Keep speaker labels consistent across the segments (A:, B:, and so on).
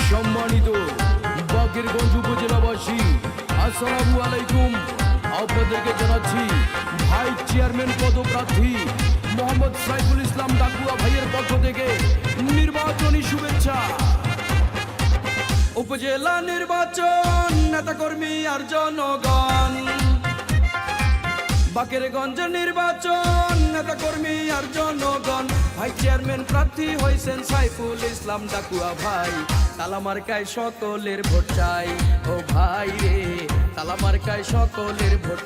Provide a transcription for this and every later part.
A: সম্মানিত বাকেরগঞ্জ উপজেলাবাসী, আসসালামু আলাইকুম। আপনাদেরকে জানাচ্ছি ভাইস চেয়ারম্যান পদপ্রার্থী মোহাম্মদ সাইফুল ইসলাম ডাকুয়া ভাইয়ের পক্ষ থেকে নির্বাচনী শুভেচ্ছা। উপজেলা নির্বাচন, নেতাকর্মী আর জনগণ। বাকেরগঞ্জ নির্বাচন, নেতাকর্মী আর জনগণ। ভাইস চেয়ারম্যান প্রার্থী হয়েছেন সাইফুল ইসলাম ডাকুয়া ভাই। তালা মার্কায় সকলের ভোট চাই, ও ভাই রে তালা মার্কায় সকলের ভোট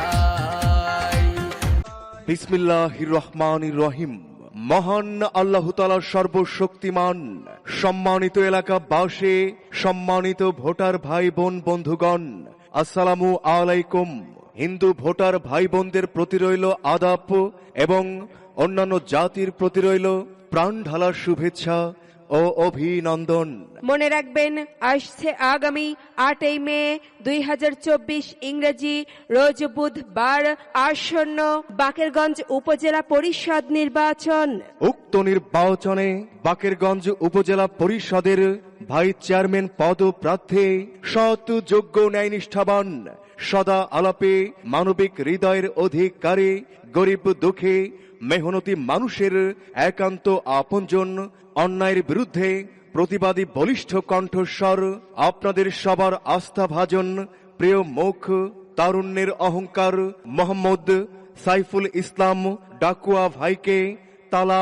A: চাই।
B: বিসমিল্লাহির রহমানির রহিম। মহান আল্লাহ তাআলা সর্বশক্তিমান। সম্মানিত এলাকাবাসী, সম্মানিত ভোটার ভাই বোন বন্ধুগণ, আসসালামু আলাইকুম। হিন্দু ভোটার ভাই বোনদের প্রতি রইল আদাব এবং অন্যান্য জাতির প্রতি রইল প্রাণ ঢালার শুভেচ্ছা ও অভিনন্দন।
C: মনে রাখবেন, আসছে আগামী 8 মে 2024 ইংরেজি রোজ বুধবার আসন্ন বাকেরগঞ্জ উপজেলা পরিষদ নির্বাচন।
B: উক্ত নির্বাচনে বাকেরগঞ্জ উপজেলা পরিষদের ভাইস চেয়ারম্যান পদপ্রার্থী সৎ, যোগ্য, ন্যায়নিষ্ঠাবান, সদা আলাপে মানবিক হৃদয়ের অধিকারী, গরিব দুঃখী মেহনতি মানুষের একান্ত আপনজন, অন্যায়ের বিরুদ্ধে প্রতিবাদী বলিষ্ঠ কণ্ঠস্বর, আপনাদের সবার আস্থাভাজন প্রিয় মুখ, তারুণ্যের অহংকার মোহাম্মদ সাইফুল ইসলাম ডাকুয়া ভাইকে তালা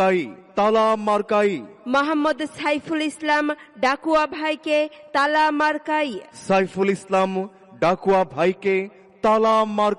B: মার্কাই
C: মোহাম্মদ সাইফুল ইসলাম ডাকুয়া ভাইকে তালা মার্কাই।
B: সাইফুল ইসলাম ডাকুয়া ভাইকে তালা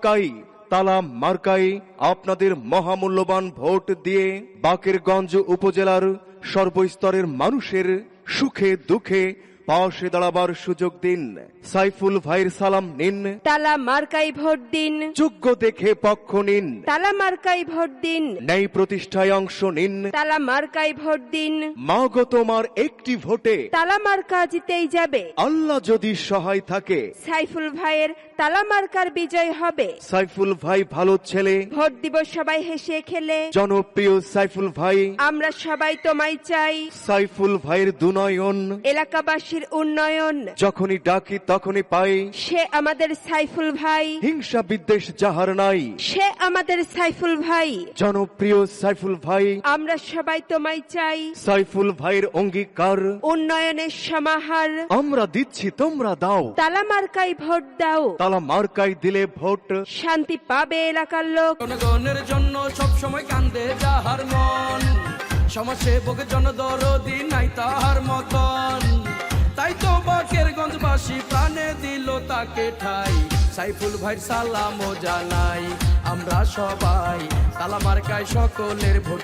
B: মার্কাই আপনাদের মহামূল্যবান ভোট দিয়ে বাকেরগঞ্জ উপজেলার সর্বস্তরের মানুষের সুখে দুঃখে পাশে দাঁড়াবার সুযোগ দিন। সাইফুল ভাইয়ের সালাম নিন,
C: তালা মার্কাই ভোট দিন।
B: যোগ্য দেখে পক্ষ নিন,
C: তালা মার্কাই ভোট দিন।
B: ন্যায় প্রতিষ্ঠায় অংশ নিন,
C: তালা মার্কাই ভোট দিন।
B: মাগো তোমার একটি ভোটে
C: তালা মার্কা জিতেই যাবে।
B: আল্লাহ যদি সহায় থাকে
C: সাইফুল ভাইয়ের তালা মার্কার বিজয় হবে।
B: সাইফুল ভাই ভালো ছেলে,
C: ভোট দিব সবাই হেসে খেলে।
B: জনপ্রিয় সাইফুল ভাই,
C: আমরা সবাই তোমায় চাই।
B: সাইফুল ভাইয়ের দুনয়ন,
C: এলাকাবাসীর উন্নয়ন।
B: যখনই ডাকি তখনই পাই।
C: সে আমাদের সাইফুল ভাই,
B: হিংসা বিদ্বেষ যাহার নাই,
C: সে আমাদের সাইফুল ভাই।
B: জনপ্রিয় সাইফুল ভাই,
C: আমরা সবাই তোমায় চাই।
B: সাইফুল ভাইয়ের অঙ্গীকার,
C: উন্নয়নের সমাহার।
B: আমরা দিচ্ছি তোমরা দাও।
C: তালা মার্কাই ভোট দাও।
B: তালা মার্কাই দিলে ভোট
C: শান্তি পাবে এলাকার লোক।
A: জনগণের জন্য সব সময় কান্দে যাহার মন, সমাজসেবক জনদরদি নাই তাহার মতন। তাই তো বাকেরগঞ্জবাসী প্রাণে দিল তাকে ঠাই। সাইফুল ভাইয়ের সালামও জানাই আমরা সবাই। তালা মার্কায় সকলের ভোট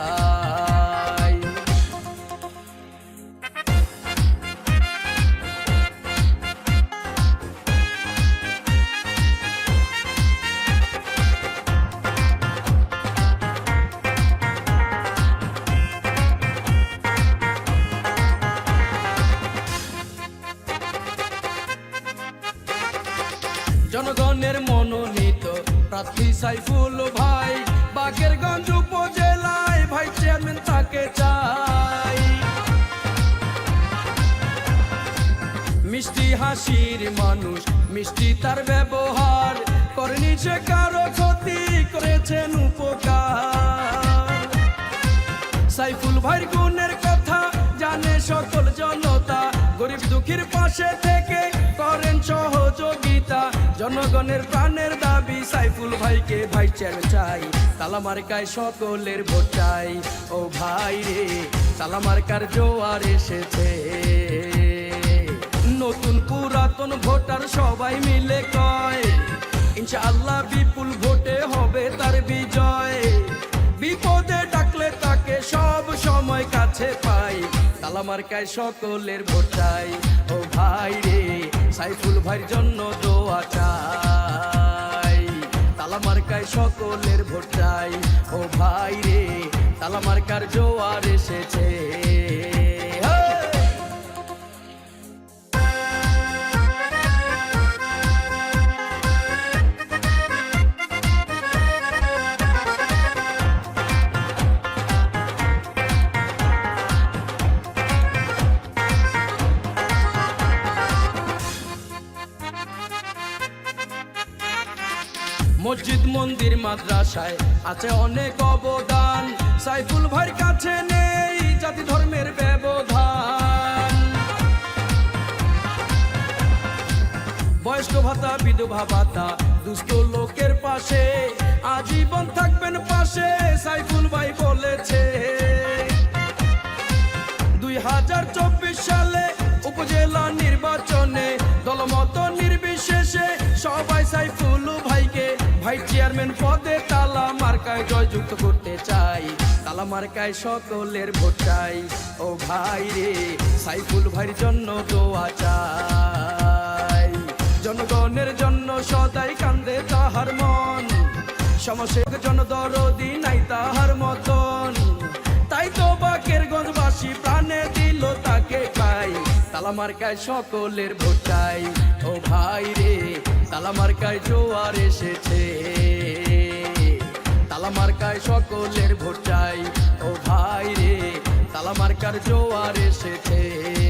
A: চাই। জনগণের মনোনীত প্রার্থী সাইফুল ভাই, বাকেরগঞ্জ উপজেলায় ভাইস চেয়ারম্যান তাকে চাই। মিষ্টি হাসির মানুষ, মিষ্টি তার ব্যবহার, করেনি সে কারো ক্ষতি, করেছেন উপকার। সাইফুল ভাইয়ের গুণের কথা জানে সকল জনতা, গরিব দুঃখীর পাশে থেকে করেন সহযোগিতা। জনগণের প্রাণের দাবি সাইফুল ভাইকে ভাইস চেয়ারম্যান চাই। তালা মার্কায় সকলের ভোট চাই, ও ভাই রে তালা মার্কার জোয়ার এসেছে। নতুন পুরাতন ভোটার সবাই মিলে কয়, ইনশাআল্লাহ বিপুল ভোটে হবে তার বিজয়। বিপদে ডাকলে তাকে সব সময় কাছে পাই। তালা মার্কায় সকলের ভোট চাই, ও ভাই রে সাইফুল ভাইয়ের জন্য দোয়া চাই। তালা মার্কায় সকলের ভোট চাই, ও ভাই রে তালা মার্কার জোয়ার এসেছে। মসজিদ মন্দির মাদ্রাসায় আছে অনেক অবদান, সাইফুল ভাইয়ের কাছে নেই জাতি ধর্মের ব্যবধান। বয়স্ক ভাতা, বিধবা ভাতা, দুস্থ লোকের পাশে আজীবন থাকবেন পাশে, সাইফুল ভাই বলেছে। 2024 সালে উপজেলা নির্বাচনে দলমত নির্বিশেষে সবাই সাইফুল ভাইকে ভাইস চেয়ারম্যান পদে তালা মার্কায় জয়যুক্ত করতে চাই। তালা মার্কায় সকলের ভোট চাই। ও ভাই রে, সাইফুল ভাইয়ের জন্য দোয়া চাই। জনগণের জন্য সদাই কান্দে তাহার মন, সমস্যার জন্য দরদি নাই তাহার মতন। তাই তো বাকেরগঞ্জবাসী প্রাণে দিল তাকে পাই। তালা মার্কায় সকলের ভোট চাই। ও ভাই রে, তালা মার্কায় জোয়ার এসেছে। তালা মার্কায় সকলের ভোট চাই। ও ভাই রে, তালা মার্কার জোয়ার এসেছে।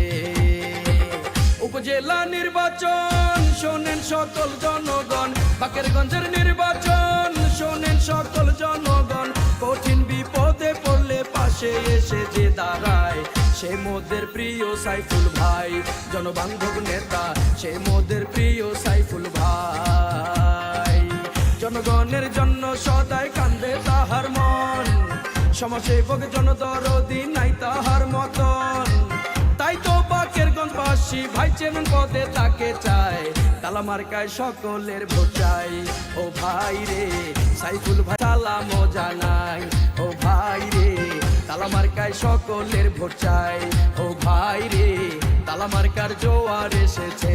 A: উপজেলা নির্বাচন শোনেন সকল জনগণ, বাকেরগঞ্জের নির্বাচন শোনেন সকল জনগণ। কঠিন বিপদে পড়লে পাশে এসে যে দাঁড়ায় সে মোদের প্রিয় সাইফুল ভাই। জনবান্ধব নেতা সে মোদের প্রিয় সাইফুল ভাই। জনগণের জন্য সদাই কান্দে তাহার মন, সমাজসেবক জনদরদি নাই তাহার মতন। তাই তো বাকেরগঞ্জবাসী ভাই চেয়ারম্যান পদে তাকে চায়। তালা মার্কায় সকলের ভোট চাই। ও ভাই রে, সাইফুল ভাই সালাম জানাই। ও ভাই রে, তালা মার্কায় সকলের ভোট চাই। ও ভাই রে, তালা মার্কার জোয়ার এসেছে।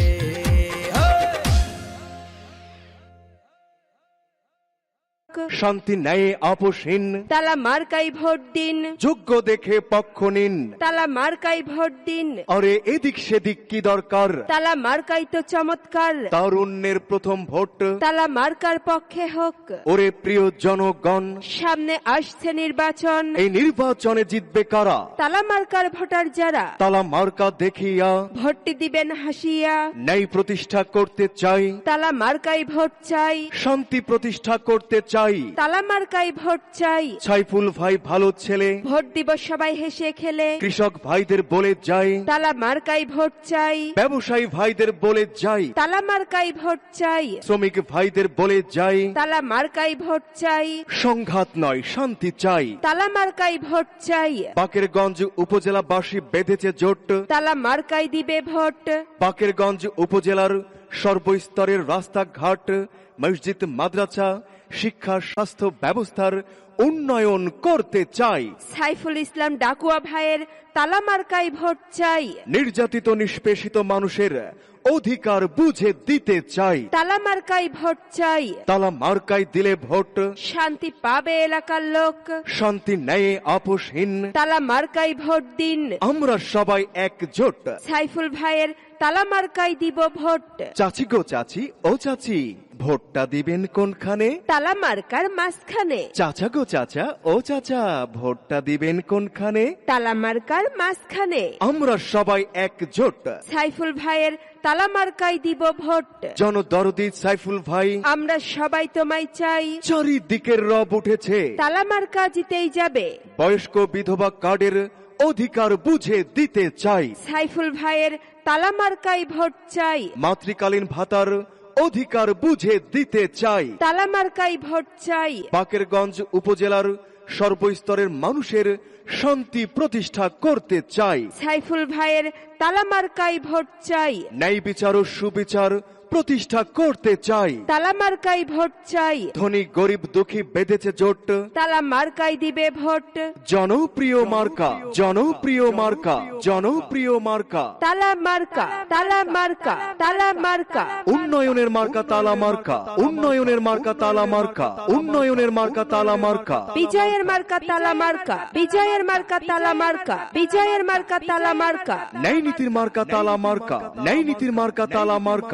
B: শান্তি ন্যায় আপোষহীন
C: তালা মার্কাই ভোট দিন,
B: যোগ্য দেখে পক্ষ নিন।
C: তালা মার্কাই ভোট দিন।
B: আরে এদিক সেদিক কি দরকার,
C: তালা মার্কাই তো চমৎকার।
B: তারুণ্যের প্রথম ভোট
C: তালা মার্কার পক্ষে হোক।
B: ওরে প্রিয় জনগণ,
C: সামনে আসছে নির্বাচন,
B: এই নির্বাচনে জিতবে কারা?
C: তালা মার্কার ভোটার যারা।
B: তালা মার্কা দেখিয়া
C: ভোটটি দিবেন হাসিয়া,
B: ন্যায় প্রতিষ্ঠা করতে চাই।
C: তালা মার্কাই ভোট চাই।
B: শান্তি প্রতিষ্ঠা করতে চাই।
C: তালা মার্কাই ভোট চাই।
B: সাইফুল ভাই ভালো ছেলে,
C: ভোট দিব সবাই হেসে খেলে।
B: কৃষক ভাইদের বলে যাই,
C: তালা মার্কাই ভোট চাই।
B: ব্যবসায়ী ভাইদের বলে যাই,
C: তালা মার্কাই ভোট চাই।
B: শ্রমিক ভাইদের বলে যাই,
C: তালা মার্কাই ভোট চাই।
B: সংঘাত নয় শান্তি চাই।
C: তালা মার্কাই ভোট চাই।
B: বাকেরগঞ্জ উপজেলাবাসী বেঁধেছে জোট,
C: তালা মার্কাই দিবে ভোট।
B: বাকেরগঞ্জ উপজেলার সর্বস্তরের রাস্তাঘাট, মসজিদ, মাদ্রাসা, শিক্ষা, স্বাস্থ্য ব্যবস্থার উন্নয়ন করতে চাই।
C: সাইফুল ইসলাম ডাকুয়া ভাইয়ের তালা মার্কাই ভোট চাই।
B: নির্যাতিত নিষ্পেষিত মানুষের অধিকার বুঝে দিতে চাই।
C: তালা মার্কাই ভোট চাই।
B: তালা মার্কায় দিলে ভোট
C: শান্তি পাবে এলাকার লোক।
B: শান্তি ন্যায় আপোষহীন
C: তালা মার্কাই ভোট দিন।
B: আমরা সবাই একজোট।
C: সাইফুল ভাইয়ের তালা মার্কাই দিব ভোট।
B: চাচি গো চাচি, ও চাচি, ভোটটা দিবেন কোনখানে?
C: তালা মার্কার মাঝখানে।
B: চাচা গো চাচা, ও চাচা, ভোটটা দিবেন কোনখানে?
C: তালা মার্কার মাঝখানে।
B: আমরা সবাই একজোট।
C: সাইফুল ভাইয়ের তালা মার্কাই দিব ভোট।
B: জনদরদি সাইফুল ভাই,
C: আমরা সবাই তোমায় চাই।
B: চারিদিকের রব উঠেছে,
C: তালা মার্কা জিতেই যাবে।
B: বয়স্ক বিধবা কার্ডের অধিকার বুঝে দিতে চাই।
C: সাইফুল ভাইয়ের তালা মার্কাই ভোট চাই।
B: মাতৃকালীন ভাতার অধিকার বুঝে দিতে চাই।
C: তালা মার্কাই ভোট চাই।
B: বাকেরগঞ্জ উপজেলার সর্বস্তরের মানুষের শান্তি প্রতিষ্ঠা করতে চাই।
C: সাইফুল ভাইয়ের তালা মার্কাই ভোট চাই।
B: ন্যায় বিচার ও সুবিচার প্রতিষ্ঠা করতে চাই।
C: তালা মার্কাই ভোট চাই।
B: ধনী গরিব দুঃখী বেঁধেছে জোট,
C: তালা মার্কাই দিবে ভোট।
B: জনপ্রিয় মার্কা, জনপ্রিয় মার্কা, জনপ্রিয় মার্কা,
C: তালা মার্কা, তালা মার্কা, তালা মার্কা।
B: উন্নয়নের মার্কা তালা মার্কা, উন্নয়নের মার্কা তালা মার্কা, উন্নয়নের মার্কা তালা মার্কা,
C: বিজয়ের মার্কা তালা মার্কা, বিজয়ের মার্কা তালা মার্কা, বিজয়ের মার্কা তালা মার্কা।
B: ন্যায় নীতির মার্কা তালা মার্কা, ন্যায় নীতির মার্কা তালা মার্কা, ন্যায়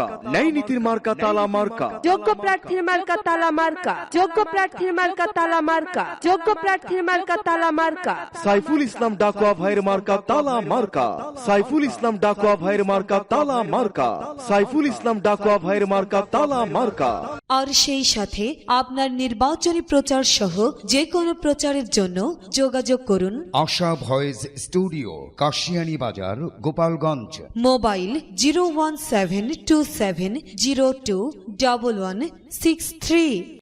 B: ন্যায় নীতির মার্কা তালা মার্কা,
C: যোগ্য প্রার্থীর মার্কা তালা মার্কা, যোগ্য প্রার্থীর মার্কা তালা মার্কা, যোগ্য প্রার্থীর মার্কা তালা মার্কা।
B: সাইফুল ইসলাম ডাকুয়া ভাইয়ের মার্কা তালা মার্কা, সাইফুল ইসলাম ডাকুয়া ভাইয়ের মার্কা তালা মার্কা, সাইফুল ইসলাম ডাকুয়া ভাইয়ের মার্কা তালা মার্কা।
D: আর সেই সাথে আপনার নির্বাচনী প্রচার সহ যে কোনো প্রচারের জন্য যোগাযোগ করুন
E: আশা ভয়েস স্টুডিও, কাশিয়ানী বাজার, গোপালগঞ্জ।
D: মোবাইল 01727021163।